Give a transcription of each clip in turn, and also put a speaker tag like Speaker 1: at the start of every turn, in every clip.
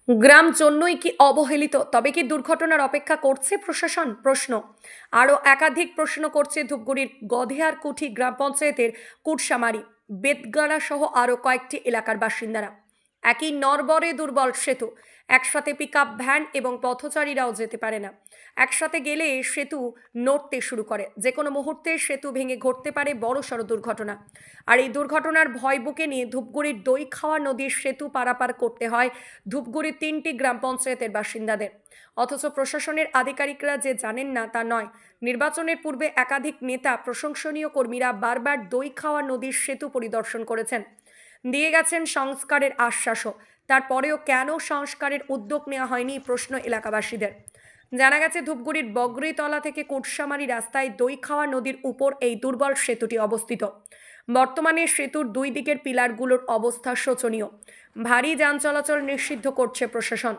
Speaker 1: গ্রাম জন্যই কি অবহেলিত? তবে কি দুর্ঘটনার অপেক্ষা করছে প্রশাসন? প্রশ্ন। আরও একাধিক প্রশ্ন করছে ধূপগুড়ির গধেয়ারকুঠি গ্রাম পঞ্চায়েতের কুটসামারি, বেতগাড়া সহ আরও কয়েকটি এলাকার বাসিন্দারা। একই নরবরে দুর্বল সেতু, একসাথে পিকআপ ভ্যান এবং পথচারীরাও যেতে পারে না। একসাথে গেলে সেতু নড়তে শুরু করে, যে কোনো মুহূর্তে সেতু ভেঙে ঘটতে পারে বড়সড় দুর্ঘটনা। আর এই দুর্ঘটনার ভয় বুকে নিয়ে ধূপগুড়ির দইখাওয়া নদীর সেতু পারাপার করতে হয় ধূপগুড়ির 3টি গ্রাম পঞ্চায়েতের বাসিন্দাদের। অথচ প্রশাসনের আধিকারিকরা যে জানেন না তা নয়। নির্বাচনের পূর্বে একাধিক নেতা, প্রশংসনীয় কর্মীরা বারবার দইখাওয়া নদীর সেতু পরিদর্শন করেছেন, দিয়ে গেছেন সংস্কারের আশ্বাসও। তারপরেও কেন সংস্কারের উদ্যোগ নেওয়া হয়নি, প্রশ্ন এলাকাবাসীদের। জানা গেছে ধূপগুড়ির বগরিতলা থেকে কোটসামারি রাস্তায় দইখাওয়া নদীর উপর এই দুর্বল সেতুটি অবস্থিত। বর্তমানে সেতুর দুই দিকের পিলারগুলোর অবস্থা শোচনীয়। ভারী যান চলাচল নিষিদ্ধ করছে প্রশাসন।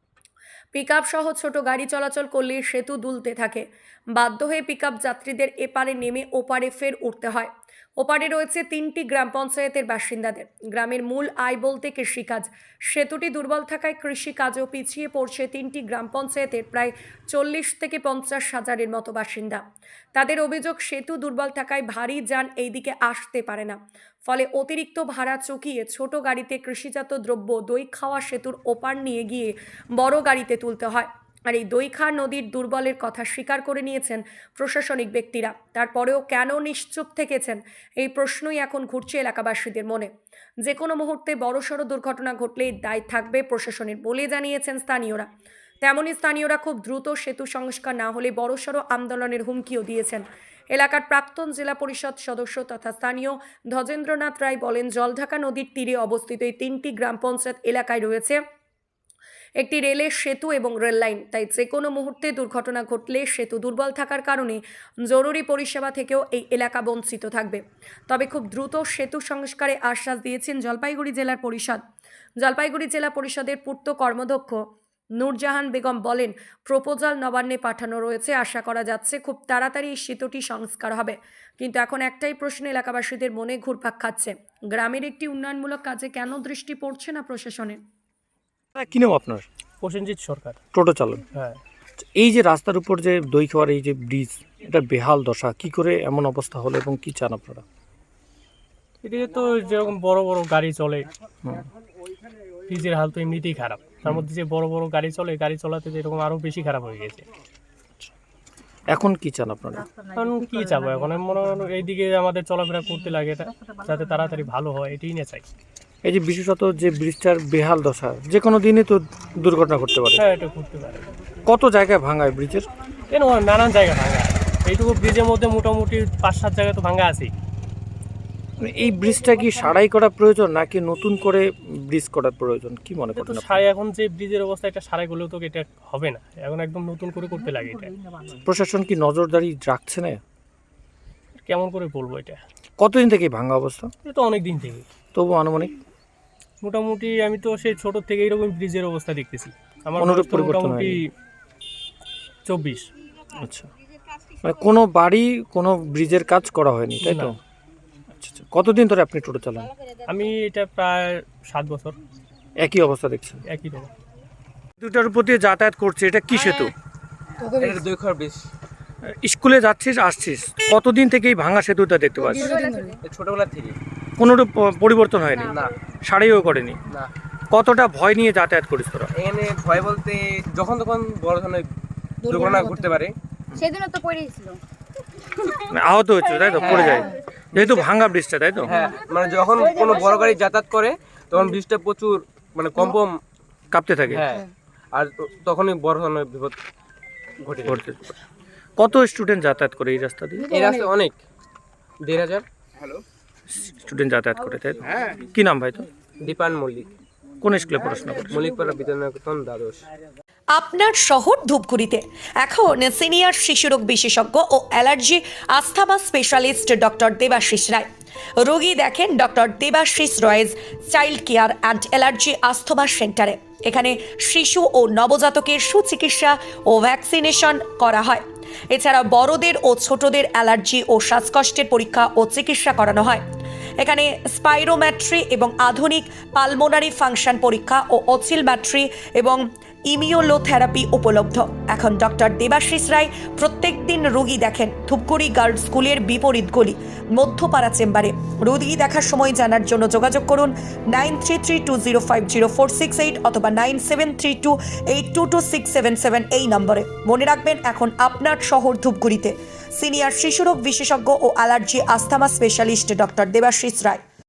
Speaker 1: পিকআপ সহ ছোট গাড়ি চলাচল করলে সেতু দুলতে থাকে। বাধ্য হয়ে পিকআপ যাত্রীদের এপারে নেমে ওপারে ফের উঠতে হয়। ওপারে রয়েছে 3টি গ্রাম পঞ্চায়েতের বাসিন্দাদের। গ্রামের মূল আয় বলতে কৃষিকাজ। সেতুটি দুর্বল থাকায় কৃষিকাজও পিছিয়ে পড়ছে 3টি গ্রাম পঞ্চায়েতের প্রায় 40 থেকে 50 হাজারের মতো বাসিন্দা। তাদের অভিযোগ, সেতু দুর্বল থাকায় ভারী যান এই দিকে আসতে পারে না। ফলে অতিরিক্ত ভাড়া চুকিয়ে ছোট গাড়িতে কৃষিজাত দ্রব্য দইখাওয়া সেতুর ওপার নিয়ে গিয়ে বড় গাড়িতে তুলতে হয়। আর এই দইখাওয়া নদীর দুর্বলের কথা স্বীকার করে নিয়েছেন প্রশাসনিক ব্যক্তিরা। তারপরেও কেন নিশ্চুপ থেকেছেন, এই প্রশ্নই এখন ঘুরছে এলাকাবাসীদের মনে। যে কোনো মুহূর্তে বড়সড় দুর্ঘটনা ঘটলেই দায় থাকবে প্রশাসনের বলে জানিয়েছেন স্থানীয়রা। তেমনই স্থানীয়রা খুব দ্রুত সেতু সংস্কার না হলে বড়সড় আন্দোলনের হুমকিও দিয়েছেন। এলাকার প্রাক্তন জেলা পরিষদ সদস্য তথা স্থানীয় ধ্বজেন্দ্রনাথ রায় বলেন, জলঢাকা নদীর তীরে অবস্থিত এই 3টি গ্রাম পঞ্চায়েত এলাকায় রয়েছে একটি রেলের সেতু এবং রেল লাইন। তাই যে কোনো মুহূর্তে দুর্ঘটনা ঘটলে সেতু দুর্বল থাকার কারণে জরুরি পরিষেবা থেকেও এই এলাকা বঞ্চিত থাকবে। তবে খুব দ্রুত সেতু সংস্কারে আশ্বাস দিয়েছেন জলপাইগুড়ি জেলার পরিষদ। জলপাইগুড়ি জেলা পরিষদের পূর্ত কর্মদক্ষ নূরজাহান বেগম বলেন, প্রপোজাল নবান্নে পাঠানো রয়েছে, আশা করা যাচ্ছে খুব তাড়াতাড়ি এই সেতুটি সংস্কার হবে। কিন্তু এখন একটাই প্রশ্ন এলাকাবাসীদের মনে ঘুরপাক খাচ্ছে, গ্রামের একটি উন্নয়নমূলক কাজে কেন দৃষ্টি পড়ছে না প্রশাসনের।
Speaker 2: কি নাম আপনার?
Speaker 3: প্রসেনজিৎ সরকার।
Speaker 2: টোটো চালক।
Speaker 3: হ্যাঁ,
Speaker 2: এই যে রাস্তার উপর যে দইখাওয়ার এই যে ব্রিজ, এটা বেহাল দশা, কি করে এমন অবস্থা হলো এবং কি চান আপনারা?
Speaker 3: এদিকে তো যেরকম বড় বড় গাড়ি চলে,
Speaker 2: হুম।
Speaker 3: ব্রিজের হাল তো এমনিতেই খারাপ, তার মধ্যে যে বড় বড় গাড়ি চলে, গাড়ি চলাতে তো এরকম আরো বেশি খারাপ হয়ে গেছে।
Speaker 2: এখন কি চান আপনারা?
Speaker 3: কারণ কি চাবো এখন, আমি মনে হয় এইদিকে আমাদের চলাফেরা করতে লাগে, এটা যাতে তাড়াতাড়ি ভালো হয় এটাই না চাই।
Speaker 2: এই যে বিশেষত যে ব্রিজটার বেহাল দশা, যে কোনো দিনই তো দুর্ঘটনা ঘটতে পারে।
Speaker 3: হ্যাঁ, এটা করতে পারে।
Speaker 2: কত জায়গায় ভাঙায় ব্রিজের?
Speaker 3: এরকম নানান জায়গা ভাঙা, এইটুকু ব্রিজের মধ্যে মোটামুটি 5-7 জায়গায় তো ভাঙা আছেই।
Speaker 2: এই ব্রিজটা কি সারাই করা প্রয়োজন নাকি নতুন করে ব্রিজ করার প্রয়োজন, কি মনে
Speaker 3: তো
Speaker 2: করেন?
Speaker 3: সারাই, এখন যে ব্রিজের অবস্থা, এটা সারাই করলেও তো এটা হবে না, এখন একদম নতুন করে করতে লাগে। এটা
Speaker 2: প্রশাসন কি নজরদারি রাখছে না?
Speaker 3: কেমন করে বলবো, এটা
Speaker 2: কতদিন থেকে ভাঙা অবস্থা?
Speaker 3: এটা তো অনেক দিন থেকে।
Speaker 2: তবু আনুমানিক
Speaker 3: মোটামুটি আমি তো সেই ছোট থেকে এইরকম ব্রিজের অবস্থা দেখতেছি। আমার
Speaker 2: অনুরূপ
Speaker 3: বয়স তো
Speaker 2: পরিবর্তন
Speaker 3: মোটামুটি
Speaker 2: হয়নি।
Speaker 3: 24।
Speaker 2: আচ্ছা, মানে কোনো বাড়ি কোনো ব্রিজের কাজ করা হয়নি, তাই তো?
Speaker 3: না।
Speaker 2: আচ্ছা আচ্ছা, কতদিন ধরে আপনি টোটো চালান?
Speaker 3: আমি এটা প্রায় 7 বছর
Speaker 2: একই অবস্থা দেখছেন?
Speaker 3: একই রকম।
Speaker 2: দুটার উপর দিয়ে যাতায়াত করছে, এটা কি সেতু?
Speaker 4: এটা দইখাওয়ার ব্রিজ।
Speaker 2: স্কুলে যাচ্ছিস আসছিস, কতদিন থেকে এই ভাঙা সেতুটা দেখতে পাচ্ছিস?
Speaker 4: ছোটবেলা থেকে।
Speaker 2: কোনোরূপ পরিবর্তন হয়নি,
Speaker 4: না
Speaker 2: সারাইও করেনি?
Speaker 4: না,
Speaker 2: কতটা ভয় নিয়ে যাতায়াত করিস তোরা?
Speaker 4: এখানে ভয় বলতে যখন তখন বড় ধরনের দুর্ঘটনা ঘটতে পারে।
Speaker 5: সেদিনও তো পড়েছিল।
Speaker 2: মানে আহত হচ্ছে, তাই তো? পড়ে যায় যেহেতু ভাঙা ব্রিজটা, তাই তো?
Speaker 4: হ্যাঁ, মানে যখন কোনো বড় গাড়ি যাতায়াত করে তখন ব্রিজটা প্রচুর মানে কম্পন
Speaker 2: কাঁপতে থাকে।
Speaker 4: হ্যাঁ, আর তখনই বড় ধরনের বিপদ ঘটে যায়।
Speaker 2: ঘটতে পারে। কত স্টুডেন্ট যাতায়াত করে এই রাস্তা দিয়ে?
Speaker 4: এই রাস্তায় অনেক 1,500
Speaker 2: স্টুডেন্ট যাতায়াত করে, তাই তো? কি নাম ভাই তো?
Speaker 4: দীপান মল্লিক,
Speaker 2: কোন স্কুলে পড়াশোনা করে?
Speaker 4: মল্লিকপাড়া বিদ্যানিকেতন, দ্বাদশ।
Speaker 1: আপনার শহর ধূপগুড়িতে এখন সিনিয়র শিশুরোগ বিশেষজ্ঞ ও allergy asthma specialist doctor Debashis Roy. রোগী দেখেন doctor Debashis Roy's child care and allergy asthma সেন্টারে। এখানে শিশু ও নবজাতকের সুচিকিৎসা ও ভ্যাকসিনেশন করা হয়। এছাড়া বড়দের ও ছোটদের অ্যালার্জি ও শ্বাসকষ্টের পরীক্ষা ও চিকিৎসা করানো হয়। এখানে স্পাইরোম্যাট্রি এবং আধুনিক পালমোনারি ফাংশন পরীক্ষা ও অসিলম্যাট্রি এবং ইমিউলোথেরাপি উপলব্ধ। এখন ডক্টর দেবাশিস রায় প্রত্যেক দিন রোগী দেখেন ধূপগুড়ি গার্লস স্কুলের বিপরীত গলি মধ্যপাড়া চেম্বারে। রোগী দেখার সময় জানার জন্য যোগাযোগ করুন 9332050468 অথবা 9732822677 এই নম্বরে। মনে রাখবেন, এখন আপনার শহর ধূপগুড়িতে সিনিয়র শিশুরোগ বিশেষজ্ঞ ও allergy asthma specialist doctor Debashis রায়।